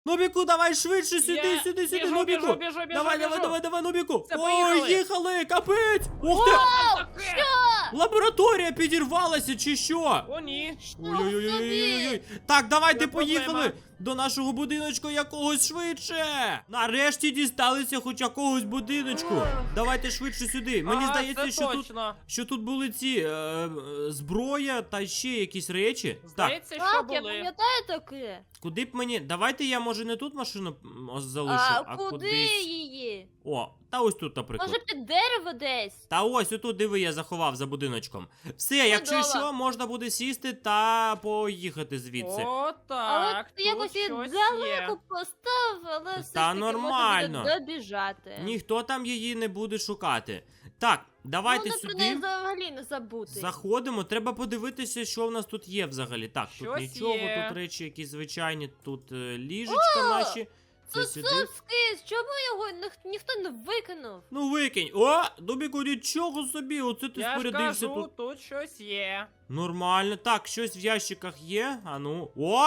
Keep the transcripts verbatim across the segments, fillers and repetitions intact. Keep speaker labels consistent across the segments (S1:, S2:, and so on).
S1: Нубіку, давай швидше сюди,
S2: Я
S1: сюди, сюди,
S2: біжу,
S1: Нубіку.
S2: біжу, біжу, біжу,
S1: Давай,
S2: біжу.
S1: давай, давай, давай, Нубіку.
S2: Все,
S1: Ой,
S2: поїхали.
S1: їхали, капець. Ух ти.
S3: Вау!
S2: Таке.
S3: Що?
S1: Лабораторія підірвалася чи що?
S2: О, ні.
S1: Ой-ой-ой-ой-ой. Так, давайте
S2: Є
S1: поїхали
S2: проблема.
S1: до нашого будиночку якогось швидше. Нарешті дісталися хоч якогось будиночку.
S2: Ох.
S1: Давайте швидше сюди. Мені
S2: Ага,
S1: здається,
S2: це
S1: що тут,
S2: точно.
S1: що тут були ці е, е, зброя та ще якісь речі. Так,
S2: Здається, що
S3: Так, я
S2: були.
S3: пам'ятаю таке.
S1: куди б мені. Давайте я, може, не тут машину м, ось залишу,
S3: А,
S1: а,
S3: куди
S1: кудись.
S3: її?
S1: О, та ось тут, наприклад.
S3: Може під дерево десь?
S1: Та ось отут, диви, я заховав за будиночком. Все, якщо
S3: Чудово.
S1: що, можна буде сісти та поїхати звідси.
S2: О,
S3: Але
S2: так.
S3: ти
S2: тут
S3: якось її
S2: щось
S3: далеко
S2: є.
S3: поставив, але все ж
S1: Та
S3: таки
S1: нормально.
S3: можна буде добіжати.
S1: Ніхто там її не буде шукати. Так, давайте
S3: Можна про неї
S1: сюди.
S3: взагалі не забути.
S1: Заходимо, треба подивитися, що в нас тут є взагалі. Так, тут
S2: Щось
S1: нічого,
S2: є.
S1: тут речі якісь звичайні, тут е, ліжечка наші. Це
S3: Тут
S1: сюди.
S3: соски, чому його ніх- ніхто не викинув?
S1: Ну викинь. О, Дубіку, нічого собі, оце ти
S2: Я ж
S1: спорядився
S2: кажу,
S1: тут.
S2: тут щось є.
S1: Нормально. Так, щось в ящиках є. А ну. О!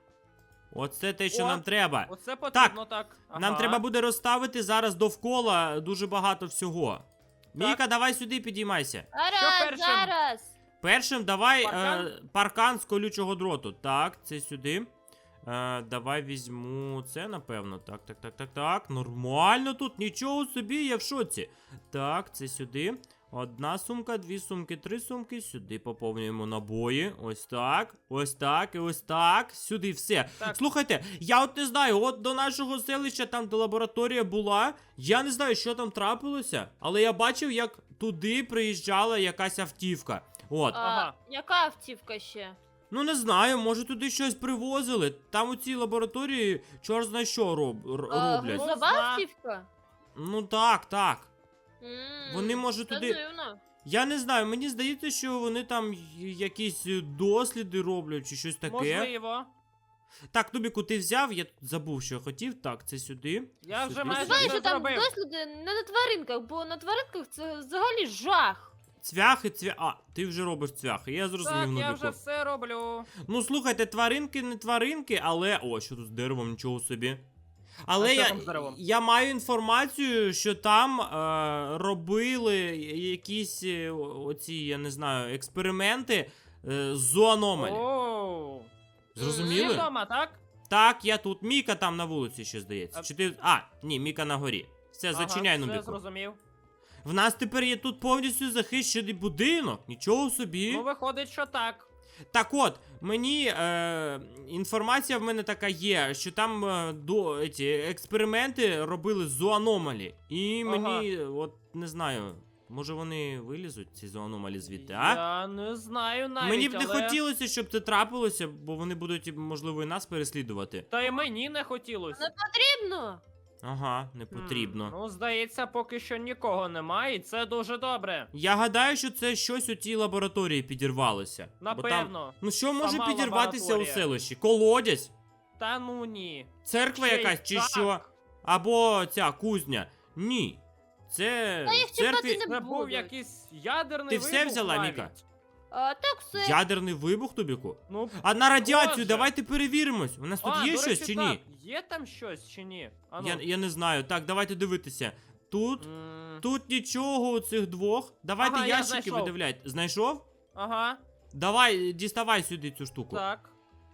S1: Оце те, що
S2: О,
S1: нам треба.
S2: Оце потрібно так. Ага.
S1: Нам треба буде розставити зараз довкола дуже багато всього. Міка, давай сюди підіймайся.
S3: Зараз,
S2: першим?
S3: зараз.
S1: Першим давай
S2: Паркан?
S1: Е, паркан з колючого дроту. Так, це сюди. Е, давай візьму це, напевно. Так, так, так, так, так. Нормально тут, нічого собі, я в шоці. Так, це сюди. Одна сумка, дві сумки, три сумки. Сюди поповнюємо набої. Ось так. Ось так і ось так. Сюди все.
S2: Так.
S1: Слухайте, я от не знаю, от до нашого селища, там де лабораторія була. Я не знаю, що там трапилося, але я бачив, як туди приїжджала якась автівка. От.
S3: А,
S2: Ага.
S3: яка автівка ще?
S1: Ну не знаю, може туди щось привозили. Там у цій лабораторії чорт зна що роб, р-
S3: А,
S1: роблять.
S3: грузова
S2: Зна.
S3: автівка?
S1: Ну так, так.
S3: М,
S1: Вони, може,
S3: це
S1: туди-
S3: дивно.
S1: Я не знаю, мені здається, що вони там й- якісь е, досліди роблять чи щось таке.
S2: Можливо.
S1: Так, Нубіку, ти взяв, я тут забув, що хотів. Так, це сюди.
S2: Я вже
S1: Сюди.
S2: майже
S3: Знаєш,
S2: все
S3: що там
S2: зробив.
S3: досліди не на тваринках, бо на тваринках це взагалі жах.
S1: Цвяхи, цвя... А, ти вже робиш цвяхи, я зрозумів,
S2: Так, я
S1: Нубіку.
S2: вже все роблю.
S1: Ну, слухайте, тваринки не тваринки, але. О, що тут з деревом, нічого собі. Але
S2: А що
S1: я,
S2: там з деревом?
S1: я маю інформацію, що там е, робили якісь е, о- оці, я не знаю, експерименти е, з зоономалі.
S2: Оу. Всі
S1: Зрозуміли?
S2: вдома, так?
S1: Так, я тут. Міка там на вулиці ще здається.
S2: А-
S1: Чи ти. А, ні, Міка на горі. Все, зачиняй,
S2: ага, все
S1: Нубіку.
S2: зрозумів.
S1: В нас тепер є тут повністю захищений будинок. Нічого собі.
S2: Ну, виходить, що так.
S1: Так от, мені е, інформація в мене така є, що там е, до, еті, експерименти робили з зоономалі. І
S2: Ага.
S1: мені, от не знаю, може вони вилізуть, ці зоономалі звідти, а?
S2: Я не знаю навіть,
S1: Мені б не
S2: але...
S1: хотілося, щоб це трапилося, бо вони будуть, можливо, і нас переслідувати.
S2: Та й мені не хотілося.
S3: Не потрібно.
S1: Ага, не
S2: Хм,
S1: потрібно.
S2: Ну, здається, поки що нікого немає, і це дуже добре.
S1: Я гадаю, що це щось у тій лабораторії підірвалося. Бо там-
S2: Напевно.
S1: Ну що може
S2: Сама
S1: підірватися у
S2: лабораторія.
S1: селищі? Колодязь?
S2: Та ну ні.
S1: Церква
S2: Ще й
S1: якась чи
S2: так.
S1: що? Або ця кузня. Ні. Це
S3: Та їх
S1: в церкві
S3: чіпати
S2: Це
S3: не
S2: був
S3: будуть.
S2: якийсь ядерний
S1: Ти
S2: вибух
S1: все взяла,
S2: навіть.
S1: Міка?
S3: А, так все.
S1: ядерний вибух, Тобіку?
S2: Ну,
S1: А на радіацію
S2: Боже.
S1: давайте перевіримось. У нас тут
S2: а,
S1: є
S2: до
S1: щось
S2: речі,
S1: чи
S2: так.
S1: ні?
S2: Є там щось чи ні? А ну.
S1: Я, я не знаю. Так, давайте дивитися. Тут,
S2: М,
S1: тут нічого у цих двох. Давайте
S2: Ага, я
S1: ящики
S2: знайшов.
S1: видивляйте. Знайшов?
S2: Ага,
S1: Давай, діставай сюди цю штуку.
S2: так,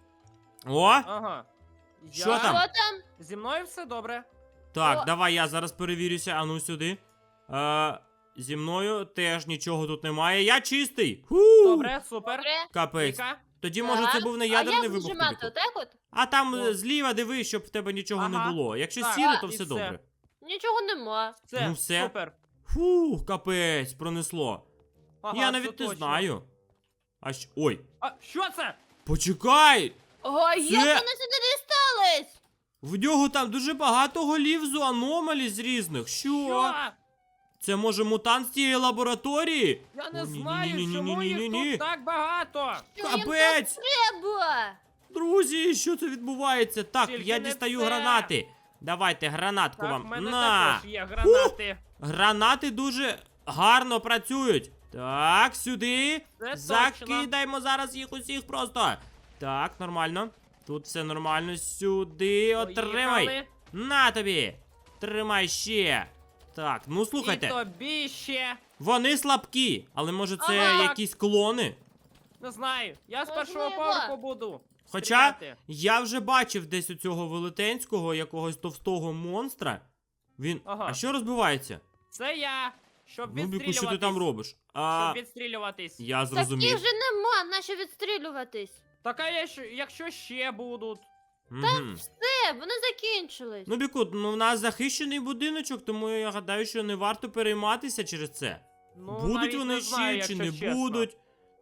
S1: О!
S2: ага.
S1: Що
S2: Я-
S1: там?
S3: Що там?
S2: Зі мною все добре.
S1: Так,
S3: О.
S1: давай я зараз перевірюся. Ану сюди. Е, зі мною теж нічого тут немає. Я чистий. Ху!
S2: Добре, супер.
S3: Добре.
S1: Капець.
S2: Віка?
S1: Тоді, може, це
S3: Так.
S1: був не
S3: А
S1: ядерний
S3: як
S1: вибух.
S3: нажимати?
S1: Тобіку.
S3: Отак от?
S1: А там
S2: О.
S1: е, зліва дивись, щоб в тебе нічого
S2: Ага.
S1: не було. Якщо
S2: Так,
S1: сіре, то
S2: і
S1: все
S2: все.
S1: добре.
S3: Нічого нема.
S2: Все,
S1: Ну, все.
S2: супер.
S1: Фух, капець, пронесло.
S2: Ага,
S1: Я
S2: це
S1: навіть не
S2: точно.
S1: знаю. А що. Ой,
S2: А що це?
S1: почекай!
S3: Ой,
S1: Це-
S3: як вони сюди дістались?
S1: В нього там дуже багато голів з аномалі з різних. Що?
S2: Що?
S1: Це може мутант з тієї лабораторії?
S2: Я не
S1: О, ні,
S2: знаю,
S1: ні, ні,
S2: чому
S1: ні, ні,
S2: їх
S1: ні.
S2: тут так багато.
S3: Що їм
S1: Капець!
S3: тут треба?
S1: Друзі, що це відбувається? Так,
S2: Тільки
S1: я
S2: не
S1: дістаю
S2: це.
S1: гранати. Давайте гранатку
S2: Так, в
S1: вам.
S2: мене
S1: На!
S2: також є гранати.
S1: Гранати дуже гарно працюють. Так, сюди.
S2: Це точно.
S1: Закидаємо зараз їх усіх просто. Так, нормально. Тут все нормально. Сюди отримай.
S2: Поїхали.
S1: На тобі. Тримай ще. Так, ну
S2: І
S1: слухайте.
S2: тобі ще.
S1: Вони слабкі, але може це
S3: Ага.
S1: якісь клони?
S2: Не знаю. Я з першого
S3: Можливо.
S2: поверху буду.
S1: Хоча
S2: стріляти.
S1: я вже бачив десь у цього велетенського якогось товстого монстра. Він.
S2: Ага.
S1: А що розбивається?
S2: Це я. Щоб
S1: Ну, Біку,
S2: відстрілюватись.
S1: що ти там робиш? А,
S2: Щоб відстрілюватись.
S1: я
S3: Таких
S1: зрозумів.
S3: же нема, нащо відстрілюватись?
S2: Так а я ж- якщо ще будуть.
S1: Мгм.
S3: Все, вони закінчились.
S1: Ну, Біку, ну в нас захищений будиночок, тому я гадаю, що не варто перейматися через це.
S2: Ну,
S1: будуть
S2: навіть
S1: вони
S2: не знаю,
S1: ще чи
S2: якщо
S1: не
S2: чесно.
S1: будуть,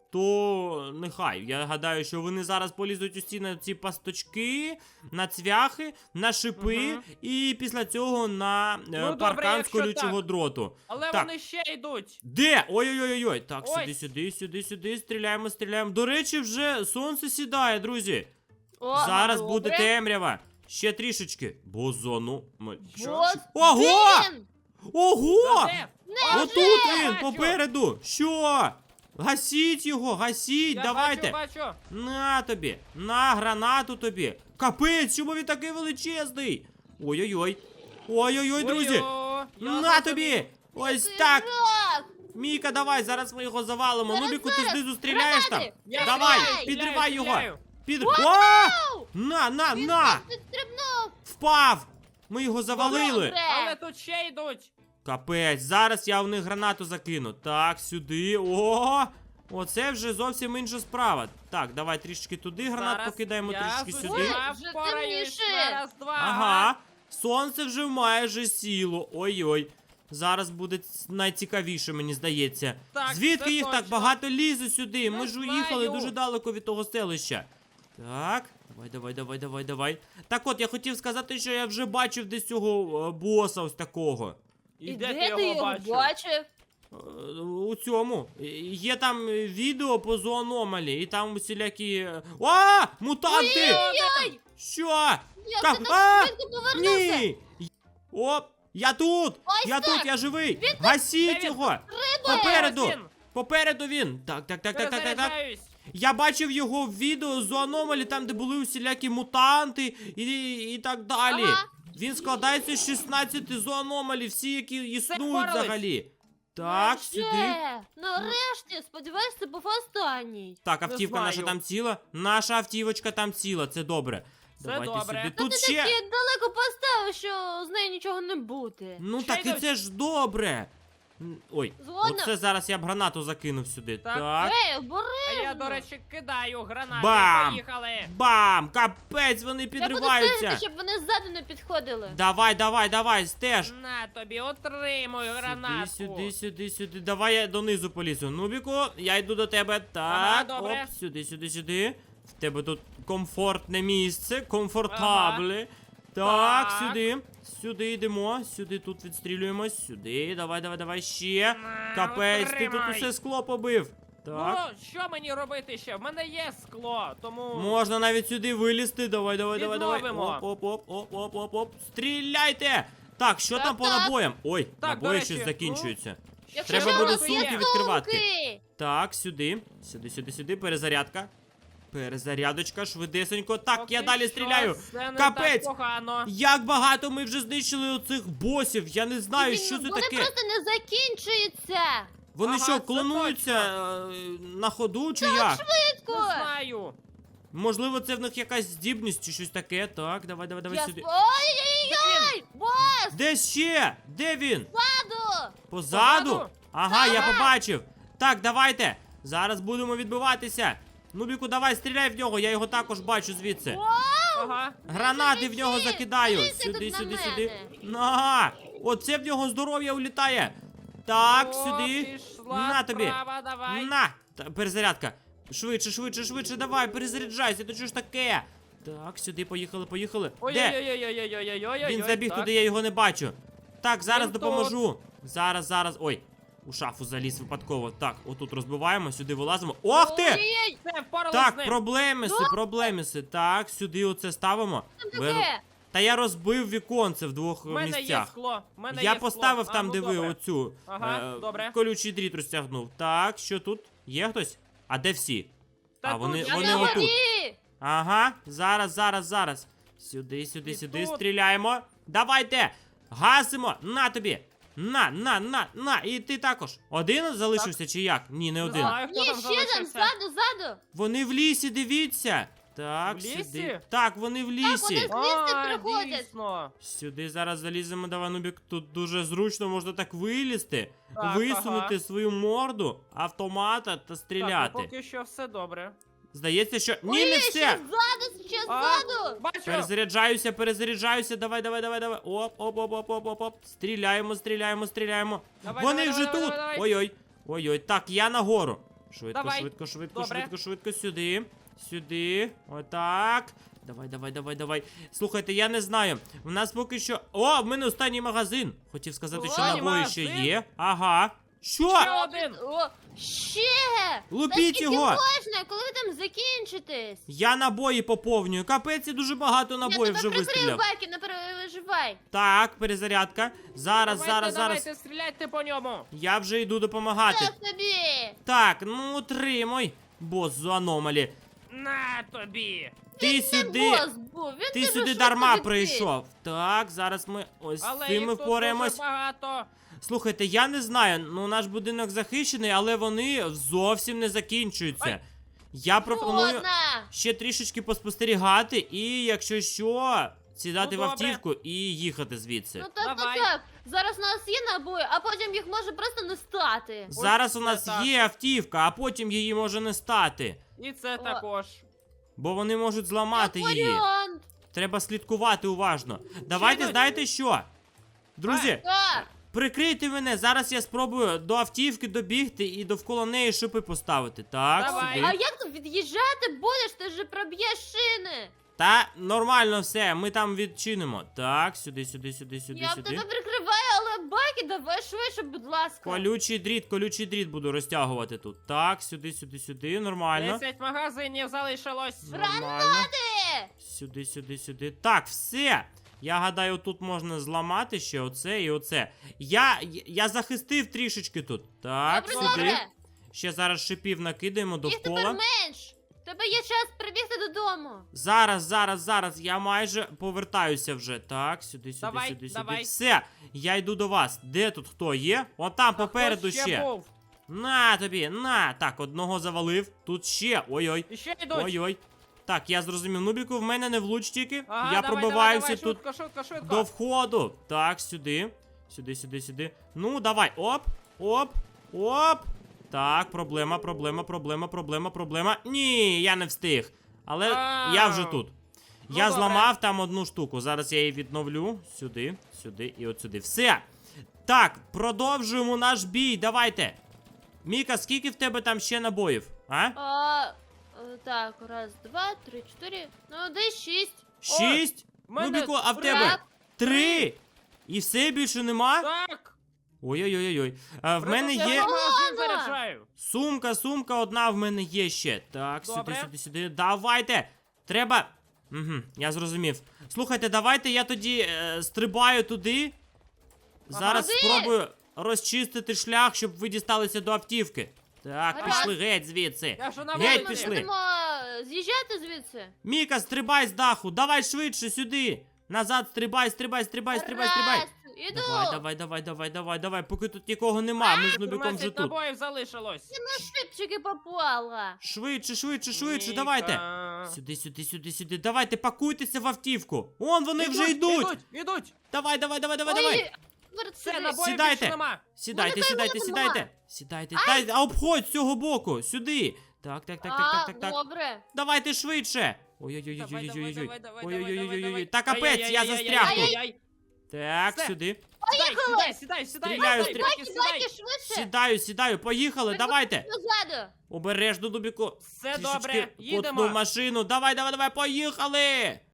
S1: то нехай. Я гадаю, що вони зараз полізуть усі на ці пасточки, на цвяхи, на шипи,
S2: Мгм.
S1: і після цього на е,
S2: Ну, добре,
S1: паркан з
S2: якщо
S1: колючого
S2: так.
S1: дроту.
S2: Але
S1: Так.
S2: вони ще йдуть.
S1: Де? Ой-ой-ой-ой. Так,
S2: Ось.
S1: сюди, сюди, сюди, сюди. Стріляємо, стріляємо. До речі, вже сонце сідає, друзі.
S3: О,
S1: Зараз
S3: добре.
S1: буде темрява. Ще трішечки. Бозону. Ми-
S3: Бос,
S1: Ого!
S3: де він?
S1: Ого!
S2: Та де?
S3: Не
S1: Отут
S2: вже!
S1: він,
S2: Бачу.
S1: попереду. Що? Гасіть його, гасіть,
S2: Я
S1: давайте.
S2: Бачу, бачу.
S1: На тобі, на гранату тобі. Капець, чому він такий величезний? Ой-ой-ой. Ой-ой-ой, друзі.
S2: Ой-о, я
S1: На
S2: зрозумів.
S1: тобі. Ось
S3: Який
S1: так.
S3: жах!
S1: Міка, давай, зараз ми його завалимо.
S3: Зараз,
S1: Нубіку, ти
S3: зараз.
S1: знизу стріляєш там?
S3: Гранати.
S2: Я
S1: Давай,
S2: стріляю,
S1: підривай його.
S2: стріляю.
S1: Під... О! На, на,
S3: Він
S1: на!
S3: нас підстрибнув.
S1: Впав! Ми його завалили.
S3: Добре.
S2: Але тут ще йдуть.
S1: Капець, зараз я в них гранату закину. Так, сюди. О! Оце вже зовсім інша справа. Так, давай трішечки туди гранат
S2: Зараз
S1: покидаємо,
S2: я
S1: трішечки
S2: з
S1: сюди.
S2: усіма
S3: Вже
S2: впораюсь.
S3: темніше.
S2: Раз, два.
S1: Ага. Сонце вже майже сіло. Ой-ой. Зараз буде ц- найцікавіше, мені здається.
S2: Так,
S1: Звідки
S2: це
S1: їх так
S2: точно.
S1: багато лізе сюди? Ми
S2: Не
S1: ж уїхали
S2: знаю.
S1: дуже далеко від того селища. Так, давай, давай, давай, давай, давай. Так от, я хотів сказати, що я вже бачив десь цього е, боса ось такого.
S2: І
S3: І
S2: де ти
S3: де ти
S2: його
S3: його
S2: бачив?
S3: бачив?
S1: Е, У цьому. Е, Є там е, відео по зоономалі, і там усілякі. е, А! Мутанти!
S3: Ой-ой-ой!
S1: Що?
S3: Як
S1: Как-
S3: ти
S1: А!
S3: так швидко повернувся?
S1: Ні! Оп! Я тут!
S3: Ось
S1: я
S3: так!
S1: тут, я живий! Гасіть
S2: Де він?
S1: його!
S3: Рибою!
S1: Попереду!
S2: Ось він.
S1: Попереду він! Так, так, так, так, так, так, так.
S2: Перезаряджаюсь.
S1: Я бачив його в відео з аномалі, там, де були усілякі мутанти і, і так далі.
S3: Ага.
S1: Він складається з шістнадцяти зоономалі, всі, які існують
S2: впорались.
S1: взагалі. Так,
S3: Ще.
S1: сюди.
S3: Нарешті, сподіваюсь, це був останній.
S1: Так,
S2: Не
S1: автівка наша
S2: знаю.
S1: там ціла. Наша автівочка там ціла, це добре.
S2: Це
S1: Давайте
S2: добре.
S1: сюди.
S3: Та
S1: Тут
S3: ти
S1: ще.
S3: таки далеко поставив, що з нею нічого не буде.
S1: Ну
S2: Ще
S1: так і
S2: йдуть.
S1: це ж добре. М, Ой,
S3: Згодна.
S1: оце зараз я б гранату закинув сюди.
S2: Так.
S1: Так.
S3: Ей,
S2: А
S3: обережно.
S2: я, до речі, кидаю гранати.
S1: Бам!
S2: Поїхали.
S1: Бам! Капець, вони
S3: Я буду
S1: підриваються.
S3: стежити, щоб вони ззаду не підходили.
S1: Давай, давай, давай, стеж.
S2: На тобі, отримуй гранатку.
S1: Сюди, сюди, сюди, сюди. Давай я донизу полізу. Нубіку, я йду до тебе. Так,
S2: Ага, добре.
S1: оп, сюди, сюди, сюди. В тебе тут комфортне місце, комфортабле. Так,
S2: Так.
S1: сюди. Сюди йдемо, сюди тут відстрілюємось, сюди. Давай, давай, давай ще.
S2: На,
S1: Капець, ти тут
S2: отримай.
S1: усе скло побив. Так.
S2: Ну, що мені робити ще? В мене є скло, тому...
S1: Можна навіть сюди вилізти. Давай, давай, давай, давай.
S2: Відновимо.
S1: Оп, оп, оп, оп, оп, оп, оп. Стріляйте! Так, що
S3: Так,
S1: там по
S3: так.
S1: набоям? Ой,
S2: Так,
S1: набої
S2: до речі,
S1: щось закінчуються.
S3: Якщо
S1: Треба
S3: що,
S1: буде
S3: у нас є
S1: сумки відкривати.
S3: сумки.
S1: Так, сюди. Сюди, сюди, сюди. Перезарядка. Перезарядочка, швидесенько. Так,
S2: Поки
S1: я далі
S2: що
S1: стріляю.
S2: Це не
S1: Капець!
S2: так погано.
S1: Як багато ми вже знищили оцих босів. Я не знаю,
S3: Він-
S1: що це
S3: Вони
S1: таке.
S3: просто не закінчуються.
S1: Вони
S2: Ага,
S1: що,
S2: це
S1: клонуються е, на ходу чи як?
S3: Швидко.
S2: Не знаю.
S1: Можливо, це в них якась здібність чи щось таке. Так, давай, давай, давай
S3: Я
S1: сюди.
S3: сп- Ой-ой-ой! Бос,
S1: Де ще? Де він?
S3: паду!
S1: Позаду?
S2: Позаду?
S1: Ага, я
S3: Ага.
S1: побачив. Так, давайте. Зараз будемо відбиватися. Нубіку, давай, стріляй в нього, я його також бачу звідси.
S2: Ага.
S1: Гранати в нього
S3: Біжи,
S1: закидаю.
S3: дивися
S1: Сюди,
S3: тут
S1: сюди,
S3: на
S1: сюди.
S3: мене.
S1: Ага. Оце в нього здоров'я улітає. Так,
S2: О,
S1: сюди.
S2: пішла
S1: На тобі.
S2: справа, давай.
S1: На! Та, перезарядка. Швидше, швидше, швидше, давай, перезаряджайся, то що ж таке? Так, сюди, поїхали, поїхали. Де?
S2: Ой-ой-ой-ой-ой-ой-ой-ой.
S1: Він забіг
S2: так.
S1: туди, я його не бачу. Так, зараз
S2: Він
S1: допоможу. Зараз, зараз. Ой, у шафу заліз випадково. Так, отут розбиваємо, сюди вилазимо. Ох ти!
S3: Ой-ой-ой,
S2: Все, впоралась з
S1: Так,
S2: ним.
S1: проблемиси, проблемиси. Так, сюди оце ставимо.
S3: що
S1: Бо я-
S3: таке?
S1: Та я розбив віконце в двох
S2: В мене є
S1: місцях.
S2: скло. В мене
S1: Я
S2: є
S1: поставив
S2: скло.
S1: там,
S2: А, ну,
S1: де ви
S2: добре.
S1: оцю
S2: Ага,
S1: е,
S2: добре.
S1: колючий дріт розтягнув. Так, що тут? Є хтось? А де всі?
S2: Та
S1: А,
S2: тут
S1: вони-
S2: я
S3: Я
S1: вони
S3: на
S1: отут.
S3: горі!
S1: Ага, зараз, зараз, зараз. Сюди, сюди,
S2: І
S1: сюди
S2: тут.
S1: стріляємо. Давайте! Гасимо! На тобі! На, на, на, на! І ти також. Один залишився чи як? Ні, не
S2: Не
S1: один.
S2: знаю, хто
S3: Ні,
S2: там
S3: ще там,
S2: залишився.
S3: ззаду, ззаду.
S1: Вони в лісі, дивіться. Так,
S2: В
S1: сюди.
S2: лісі?
S1: Так, вони в лісі.
S3: вони- Звідси
S2: А,
S3: приходять.
S2: дійсно.
S1: Сюди зараз заліземо, давай, Нубік. Тут дуже зручно можна так вилізти,
S2: Так,
S1: висунути
S2: ага.
S1: свою морду, автомата та
S2: Так,
S1: стріляти.
S2: ну поки що все добре.
S1: Здається, що. Ні,
S3: Ой,
S1: не
S3: ще
S1: все!
S3: ззаду, ще
S2: А,
S3: ззаду.
S2: бачу.
S1: Перезаряджаюся, перезаряджаюся. Давай, давай, давай, давай. Оп, оп, оп, оп, оп, оп, оп. Стріляємо, стріляємо, стріляємо.
S2: Давай,
S1: Вони
S2: давай,
S1: вже
S2: давай,
S1: тут.
S2: давай, давай.
S1: Ой-ой. Ой-ой. Так, я нагору. Швидко,
S2: Давай.
S1: швидко, швидко,
S2: Добре.
S1: швидко, швидко. Сюди. Сюди. Отак. Давай, давай, давай, давай. Слухайте, я не знаю. У нас поки що. О, в мене останній магазин. Хотів сказати, що
S3: Останній
S1: набої ще
S2: магазин?
S1: є. Ага. Що?
S2: Ще один.
S3: О, ще.
S1: Лупіть
S3: Та скільки
S1: його!
S3: можна, коли ви там закінчитесь?
S1: Я набої поповнюю. Капець, я дуже багато набоїв
S3: Я
S1: вже
S3: тебе прикрию,
S1: вистріляв.
S3: Байки, не переживай.
S1: Так, перезарядка. Зараз,
S2: Давайте,
S1: зараз,
S2: давайте,
S1: зараз.
S2: стріляйте по ньому.
S1: Я вже йду допомагати.
S3: Я собі.
S1: Так, ну отримай, бос з аномалі.
S2: На тобі.
S1: Ти
S3: Це
S1: сюди.
S3: бос був, він
S1: Ти
S3: дуже
S1: сюди
S3: швидко
S1: дарма
S3: відкрив.
S1: прийшов. Так, зараз ми ось з
S2: Але
S1: цим
S2: їх
S1: ми
S2: тут
S1: впораємось.
S2: дуже багато.
S1: Слухайте, я не знаю, ну наш будинок захищений, але вони зовсім не закінчуються.
S2: Ай.
S1: Я пропоную
S3: Згодна.
S1: ще трішечки поспостерігати і, якщо що, сідати
S2: Ну,
S1: в
S2: добре.
S1: автівку і їхати звідси.
S3: Ну так,
S2: Давай.
S3: так, так. Зараз у нас є набої, а потім їх може просто не стати.
S1: Зараз у
S2: це
S1: нас
S2: так.
S1: є автівка, а потім її може не стати.
S2: І це
S3: О.
S2: також.
S1: Бо вони можуть зламати
S3: Як
S1: її.
S3: варіант.
S1: Треба слідкувати уважно. Давайте,
S2: йдуть.
S1: знаєте що? Друзі,
S3: Так.
S1: прикрийте мене. Зараз я спробую до автівки добігти і довкола неї шипи поставити. Так,
S2: Давай.
S1: сюди.
S3: А як тут від'їжджати будеш? Ти ж проб'єш шини.
S1: Та нормально все, ми там відчинимо. Так, сюди, сюди, сюди, сюди,
S3: Я в
S1: сюди.
S3: тебе прикриваю, але Байки, давай швидше, будь ласка.
S1: Колючий дріт, колючий дріт буду розтягувати тут. Так, сюди, сюди, сюди, нормально.
S2: Десять магазинів залишилось.
S1: Нормально.
S3: Ти!
S1: Сюди, сюди, сюди. Так, все. Я гадаю, тут можна зламати ще оце і оце. Я, я захистив трішечки тут. Так,
S3: Добре,
S1: сюди.
S3: добре.
S1: Ще зараз шипів накидаємо
S3: Їх тепер
S1: довкола.
S3: менш. В тебе є час прибігти додому.
S1: Зараз, зараз, зараз. Я майже повертаюся вже. Так, сюди, сюди,
S2: Давай,
S1: сюди, сюди.
S2: давай.
S1: Все. Я йду до вас. Де тут хто є? От там попереду
S2: Хто
S1: ще.
S2: був?
S1: На тобі, на. Так, одного завалив. Тут ще. Ой-ой.
S2: І ще йдуть.
S1: Ой-ой. Так, я зрозумів. Нубіку, в мене не влуч тільки.
S2: Ага,
S1: я
S2: давай,
S1: пробиваюся
S2: давай, давай,
S1: тут
S2: швидко, швидко, швидко.
S1: до входу. Так, сюди. Сюди, сюди, сюди. Ну, давай. Оп, оп, оп. Так, проблема, проблема, проблема, проблема, проблема. Ні, я не встиг. Але
S2: А.
S1: я вже тут.
S2: Ну,
S1: я
S2: добре.
S1: зламав там одну штуку. Зараз я її відновлю. Сюди, сюди і от сюди. Все. Так, продовжуємо наш бій. Давайте. Міка, скільки в тебе там ще набоїв? А?
S3: А, е, так, раз, два, три, чотири. Ну, десь шість.
S1: Шість?
S2: в мене
S1: Нубіку, а в
S2: три.
S1: тебе?
S3: Так.
S1: Три. І все більше нема?
S2: Так.
S1: Ой-ой-ой-ой. А, в мене
S2: Просто
S1: є
S2: я магазин
S3: Ладно.
S2: заряджаю.
S1: сумка, сумка одна в мене є ще. Так,
S2: Добре.
S1: сюди, сюди, сюди. Давайте. Треба. Угу, я зрозумів. Слухайте, давайте я тоді е, стрибаю туди. Зараз
S3: Куди?
S1: спробую розчистити шлях, щоб ви дісталися до автівки. Так,
S3: Гаразд.
S1: пішли геть звідси.
S2: Я вже на
S1: Геть
S2: вулиці.
S3: Ми
S1: пішли.
S3: будемо е, з'їжджати звідси.
S1: Міка, стрибай з даху. Давай швидше сюди. Назад стрибай, стрибай, стрибай, стрибай, стрибай.
S3: Раз, іду.
S1: Давай, давай, давай, давай, давай, давай, поки тут нікого нема, ми з Нубіком вже
S2: тринадцять
S1: тут.
S2: набоїв залишилось.
S3: На шипчики попала.
S1: Швидше, швидше, швидше,
S2: Міка.
S1: давайте. Сюди, сюди, сюди, сюди. Давайте, пакуйтеся в автівку. Он вони вже
S2: Ідуть,
S1: йдуть.
S2: Ідуть, ідуть.
S1: Давай, давай, давай, давай,
S3: Ой,
S1: давай.
S3: тепер
S2: Все,
S3: сюди.
S2: набоїв
S1: Сідайте.
S2: більше нема.
S1: Сідайте,
S3: Вони
S1: сідайте,
S3: там
S1: сідайте.
S3: нема.
S1: Сідайте. Та, а обходь з цього боку, сюди. Так, так, так, так, так, так, так.
S3: Добре.
S1: Давайте швидше.
S2: Давай,
S1: Ой-ой-ой-ой-ой-ой-ой.
S2: давай, давай, давай, давай,
S1: Ой-ой-ой-ой-ой.
S2: давай.
S1: Та капець, я
S2: Ай-яй-яй-яй-яй-яй-яй.
S1: застряг тут.
S2: Ай-яй.
S1: Так,
S2: Все.
S1: сюди.
S2: Сідай, сідай, сідай, сідай.
S1: Стріляю,
S2: Сідай,
S1: стріляю.
S2: Бекі,
S3: Байки,
S2: сідай.
S3: швидше.
S1: Сідаю, сідаю, поїхали, давайте.
S3: Позаду.
S1: Обережно, Дубіку.
S2: Все
S1: Трішечки
S2: добре,
S1: потнув
S2: їдемо.
S1: машину. Давай, давай, давай, поїхали.